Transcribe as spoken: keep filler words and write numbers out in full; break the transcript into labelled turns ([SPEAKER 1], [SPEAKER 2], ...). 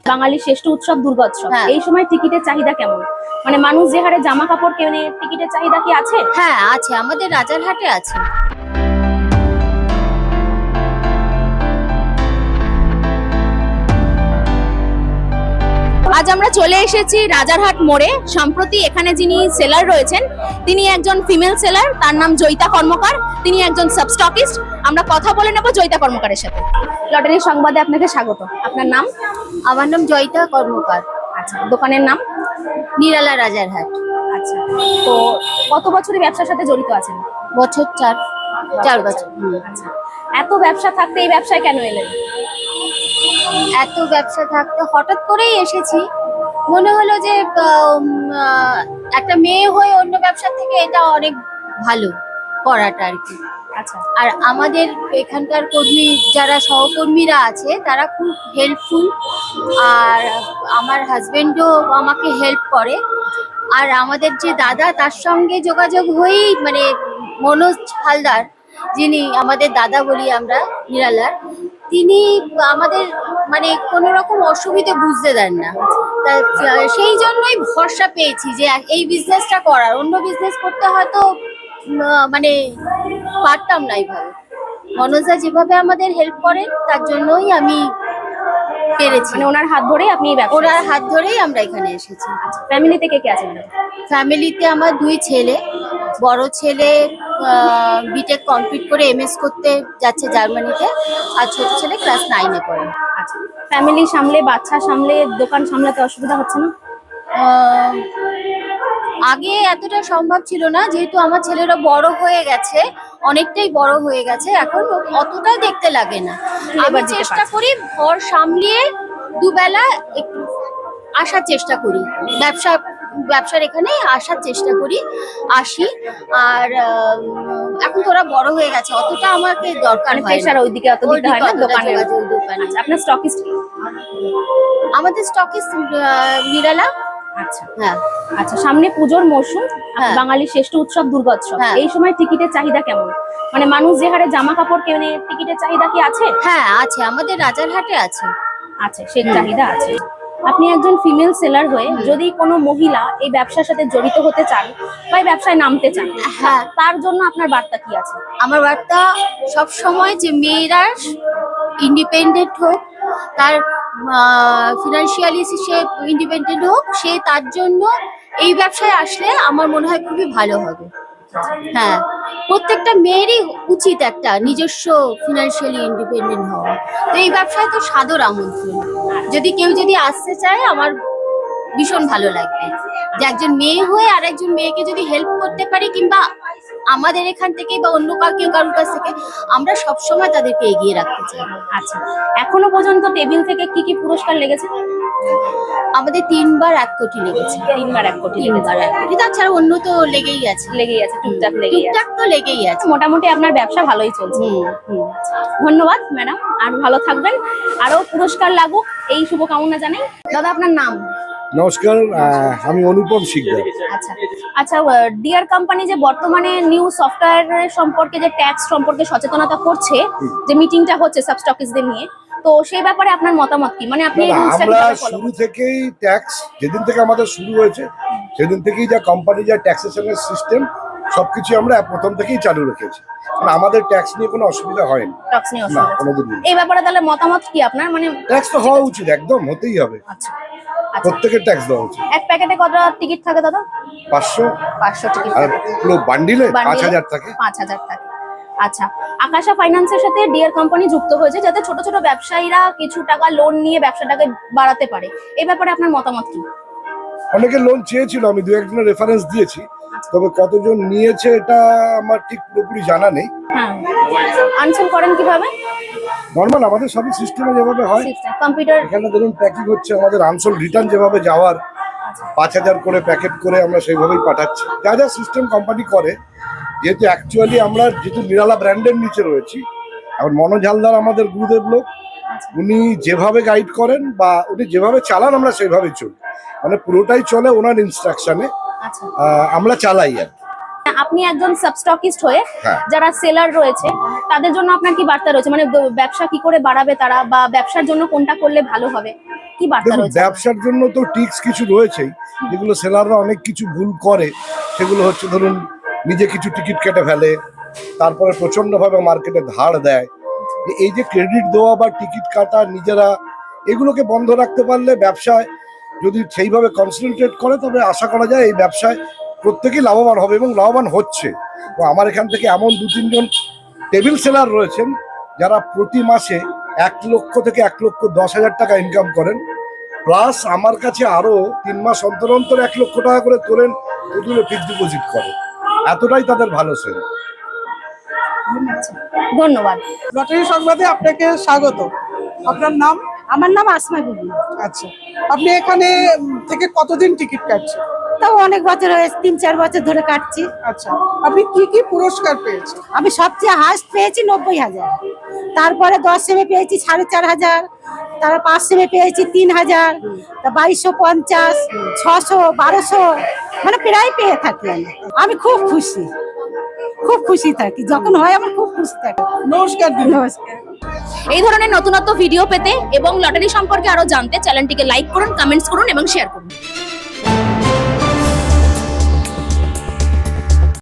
[SPEAKER 1] বাঙালির শ্রেষ্ঠ উৎসব দুর্গোৎসব, এই সময় টিকিটের চাহিদা কেমন? মানে মানুষ যে হারে জামা কাপড় কেনে, টিকিটের চাহিদা কি আছে?
[SPEAKER 2] হ্যাঁ আছে, আমাদের রাজারহাটে আছে।
[SPEAKER 1] আজ আমরা চলে এসেছি রাজারহাট মোড়ে। সম্প্রতি এখানে যিনি সেলার রয়েছেন তিনি একজন ফিমেল সেলার, তার নাম জয়িতা কর্মকার। তিনি একজন সাবস্টকিস্ট। আমরা কথা বলে নেব জয়িতা কর্মকারের সাথে। লটারি সংবাদে আপনাকে স্বাগত। আপনার নাম?
[SPEAKER 2] আমার নাম জয়িতা কর্মকার।
[SPEAKER 1] আচ্ছা, দোকানের নাম?
[SPEAKER 2] নিরালা রাজারহাট।
[SPEAKER 1] আচ্ছা, তো কত বছরের ব্যবসার সাথে জড়িত আছেন?
[SPEAKER 2] বছর চার চার বছর।
[SPEAKER 1] আচ্ছা, এত ব্যবসা থাকতে এই ব্যবসায় কেন এলেন?
[SPEAKER 2] এত ব্যবসা থাকতে হঠাৎ করেই এসেছি। মনে হলো যে একটা মেয়ে হয়ে অন্য ব্যবসা থেকে এটা অনেক ভালো করাটা আর কি।
[SPEAKER 1] আচ্ছা,
[SPEAKER 2] আর আমাদের এখানকার কর্মী যারা সহকর্মীরা আছে তারা খুব হেল্পফুল, আর আমার হাজবেন্ডও আমাকে হেল্প করে। আর আমাদের যে দাদা, তার সঙ্গে যোগাযোগ হয়েই মানে মনোজ হালদার, যিনি আমাদের দাদা বলি আমরা নিরালার, তিনি আমাদের মানে কোনো রকম অসুবিধে বুঝতে দেন না। তা সেই জন্যই ভরসা পেয়েছি যে এই বিজনেসটা করার। অন্য বিজনেস করতে হয়তো মানে পারতাম না এইভাবে। মনোজদা যেভাবে আমাদের হেল্প করেন তার জন্যই আমি পেরেছি।
[SPEAKER 1] মানে ওনার হাত ধরেই আপনি এই ব্যবসা?
[SPEAKER 2] ওনার হাত ধরেই আমরা এখানে এসেছি।
[SPEAKER 1] ফ্যামিলিতে কে কে আছে?
[SPEAKER 2] ফ্যামিলিতে আমার দুই ছেলে। বড় ছেলে বিটেক কমপ্লিট করে এমএস করতে যাচ্ছে জার্মানিতে, আর ছোট ছেলে ক্লাস নাইনে পড়ে।
[SPEAKER 1] আচ্ছা, ফ্যামিলি সামলে, বাচ্চা সামলে, দোকান সামলাতে অসুবিধা হচ্ছে না?
[SPEAKER 2] আগে এতটা সম্ভব ছিল না, যেহেতু আমার ছেলেরা বড় হয়ে গেছে, অনেকটাই বড় হয়ে গেছে, এখন অতটা দেখতে লাগে না। আমি চেষ্টা করি ঘর সামলিয়ে দুবেলা একটু আসার চেষ্টা করি, ব্যবসা ব্যবসার এখানে আসার চেষ্টা করি, আসি। আর এখন তোরা বড় হয়ে গেছে, অতটা আমাকে দরকার হয় না।
[SPEAKER 1] প্রেসার ওইদিকে অত দিতে হয় না দোকানে।
[SPEAKER 2] দোকানে
[SPEAKER 1] আপনার স্টকিস্ট?
[SPEAKER 2] আমাদের স্টকিস্ট নিরালা।
[SPEAKER 1] আচ্ছা,
[SPEAKER 2] হ্যাঁ।
[SPEAKER 1] আচ্ছা, সামনে পুজোর মরশুম, বাঙালির শ্রেষ্ঠ উৎসব দুর্গোৎসব, এই সময় টিকিটের চাহিদা কেমন? মানে মানুষ যে হারে জামা কাপড় কেনে, টিকিটের চাহিদা কি আছে?
[SPEAKER 2] হ্যাঁ আছে, আমাদের রাজারহাটে আছে।
[SPEAKER 1] আছে, সেই চাহিদা আছে। আপনি একজন ফিমেল সেলার হয়ে যদি কোনো মহিলা এই ব্যবসার সাথে জড়িত হতে চান বা এই ব্যবসায় নামতে চান,
[SPEAKER 2] হ্যাঁ,
[SPEAKER 1] তার জন্য আপনার বার্তা কি আছে?
[SPEAKER 2] আমার বার্তা সব সময় যে মেয়েরা ইন্ডিপেন্ডেন্ট হোক, তার ফিনান্সিয়ালি সে ইন্ডিপেন্ডেন্ট হোক, সে তার জন্য এই ব্যবসায় আসলে আমার মনে হয় খুবই ভালো হবে। হ্যাঁ, প্রত্যেকটা মেয়েরই উচিত একটা নিজস্ব ফিনান্সিয়ালি ইন্ডিপেন্ডেন্ট হওয়া। তো এই ব্যবসায় তো সাদর আমন্ত্রণ। যদি কেউ যদি আসতে চায়, আমার ভীষণ ভালো লাগবে যে একজন মেয়ে হয়ে আর একজন মেয়েকে যদি হেল্প করতে পারি, কিংবা আমাদের এখান থেকে বা অন্য কাউকে কারোর কাছ থেকে, আমরা সবসময় তাদেরকে এগিয়ে রাখতে চাই।
[SPEAKER 1] আচ্ছা, এখনো পর্যন্ত টেবিল থেকে কি কি পুরস্কার লেগেছে?
[SPEAKER 2] আমাদের তিনবার এক কোটি লেগেছে।
[SPEAKER 1] তিনবার এক কোটি
[SPEAKER 2] তিনবার এক কোটি তাছাড়া অন্য তো লেগেই আছে।
[SPEAKER 1] লেগেই আছে, টুকটাক লেগেই আছে।
[SPEAKER 2] টুকটাক তো লেগেই আছে।
[SPEAKER 1] মোটামুটি আপনার ব্যবসা ভালোই চলছে। ধন্যবাদ ম্যাডাম, আর ভালো থাকবেন, আরো পুরস্কার লাগুক এই শুভকামনা জানাই। দাদা, আপনার নাম?
[SPEAKER 3] নমস্কার, আমি অনুপম শিকদার।
[SPEAKER 1] আচ্ছা আচ্ছা, ডিয়ার কোম্পানি যে বর্তমানে নিউ সফটওয়্যার সম্পর্কে যে ট্যাক্স সম্পর্কে সচেতনতা করছে, যে মিটিংটা হচ্ছে সাবস্টকিস্টদের নিয়ে, তো সেই ব্যাপারে আপনার মতামত কি? মানে আপনি
[SPEAKER 3] আমরা শুরু থেকেই ট্যাক্স, যেদিন থেকে আমাদের শুরু হয়েছে সেদিন থেকেই যা কোম্পানি যা ট্যাক্সেশনের সিস্টেম সবকিছু আমরা প্রথম থেকেই চালু রেখেছি। মানে আমাদের ট্যাক্স নিয়ে কোনো অসুবিধা হয়নি।
[SPEAKER 1] ট্যাক্স নিয়ে
[SPEAKER 3] না, কোনোদিন।
[SPEAKER 1] এই ব্যাপারে তাহলে মতামত কি আপনার? মানে
[SPEAKER 3] ট্যাক্স তো হওয়া উচিত, একদম হতেই হবে।
[SPEAKER 1] আচ্ছা,
[SPEAKER 3] প্রত্যেকের ট্যাক্স দেওয়া উচিত।
[SPEAKER 1] এক প্যাকেটে কত টিকিট থাকে দাদা?
[SPEAKER 3] পাঁচশো।
[SPEAKER 1] পাঁচশো টিকিট।
[SPEAKER 3] আর পুরো বান্ডিলে পাঁচ হাজার থাকে।
[SPEAKER 1] পাঁচ হাজার থাকে। আচ্ছা, আকাশা ফাইন্যান্সের সাথে ডিয়ার কোম্পানি যুক্ত হয়েছে যাতে ছোট ছোট ব্যবসায়ীরা কিছু টাকা লোন নিয়ে ব্যবসাটাকে বাড়াতে পারে। এই ব্যাপারে আপনার মতামত কি?
[SPEAKER 3] অনেকে লোন চেয়েছিল, আমি দু একজনের রেফারেন্স দিয়েছি, তবে কতজন নিয়েছে এটা আমার ঠিক পুরোপুরি জানা নেই।
[SPEAKER 1] হ্যাঁ, আনসার করেন কিভাবে?
[SPEAKER 3] নর্মাল আমাদের সবই সিস্টেমে যেভাবে হয়,
[SPEAKER 1] কম্পিউটার।
[SPEAKER 3] এখানে ধরুন প্যাকিং হচ্ছে, আমাদের আনসোল রিটার্ন যেভাবে যাওয়ার পাঁচ হাজার করে প্যাকেট করে আমরা সেইভাবেই পাঠাচ্ছি। যা যা সিস্টেম কোম্পানি করে, যেহেতু অ্যাকচুয়ালি আমরা যেহেতু নিরালা ব্র্যান্ডের নিচে রয়েছি, এখন মনোজ হালদার আমাদের গুরুদেব লোক, উনি যেভাবে গাইড করেন বা উনি যেভাবে চালান আমরা সেইভাবে চলি, মানে পুরোটাই চলে ওনার ইনস্ট্রাকশনে আমরা চালাই আর।
[SPEAKER 1] আপনি একজন সাবস্টকিস্ট হয়ে যারা সেলার রয়েছে তাদের জন্য আপনার কি বার্তা রয়েছে, মানে ব- ব্যবসা কি করে বাড়াবে তারা, বা ব্যবসার জন্য কোনটা করলে ভালো হবে, কি বার্তা
[SPEAKER 3] দেখুন,
[SPEAKER 1] রয়েছে?
[SPEAKER 3] ব্যবসার জন্য তো টিক্স কিছু রয়েছেই, যেগুলো সেলাররা অনেক কিছু ভুল করে। সেগুলো হচ্ছে ধরুন নিজে কিছু টিকিট কেটে ফেলে, তারপরে প্রচন্ডভাবে মার্কেটে ধার দেয়। এই যে ক্রেডিট দেওয়া বা টিকিট কাটা নিজেরা, এগুলোকে বন্ধ রাখতে পারলে ব্যবসায় যদি সেইভাবে কনসেন্ট্রেট করে, তবে আশা করা যায় এই ব্যবসায় প্রত্যেকেই লাভবান হবে এবং লাভবান হচ্ছে। তো আমার এখান থেকে এমন দু তিনজন টেবিল সেলার রয়েছেন যারা প্রতি মাসে এক লক্ষ থেকে এক লক্ষ দশ হাজার টাকা ইনকাম করেন, প্লাস আমার কাছে আরো তিন মাস অন্তর অন্তর এক লক্ষ টাকা করে তোলেন, ওগুলো ফিক্সড ডিপোজিট করে। এতটাই তাদের ভালো সেল।
[SPEAKER 1] ধন্যবাদ।
[SPEAKER 4] লটারি সংবাদে আপনাকে স্বাগত। আপনার নাম?
[SPEAKER 5] আমার নাম আসমা বিবি।
[SPEAKER 4] আচ্ছা, আপনি এখানে উম, থেকে কতদিন টিকিট কাটছেন?
[SPEAKER 5] তাও অনেক বছর হয়েছে, তিন চার বছর ধরে কাটছি।
[SPEAKER 4] আচ্ছা, আপনি কি কি পুরস্কার পেয়েছেন?
[SPEAKER 5] আমি সবচেয়ে হাইস্ট পেয়েছি নব্বই হাজার, তারপরে দশ সেমে পেয়েছি সাড়ে চার হাজার, তারপর পাঁচ সেমে পেয়েছি তিন হাজার, তা বাইশশো পঞ্চাশ, ছশো, বারোশো, মানে প্রায় পেয়ে থাকি আমি। আমি খুব খুশি, খুব খুশি থাকি, যখন হয় আমার খুব খুশি থাকি।
[SPEAKER 4] নমস্কার দিদি।
[SPEAKER 5] নমস্কার।
[SPEAKER 1] এই ধরনের নতুনত্ব ভিডিও পেতে এবং লটারি সম্পর্কে আরো জানতে চ্যানেলটিকে লাইক করুন, কমেন্টস করুন এবং শেয়ার করুন।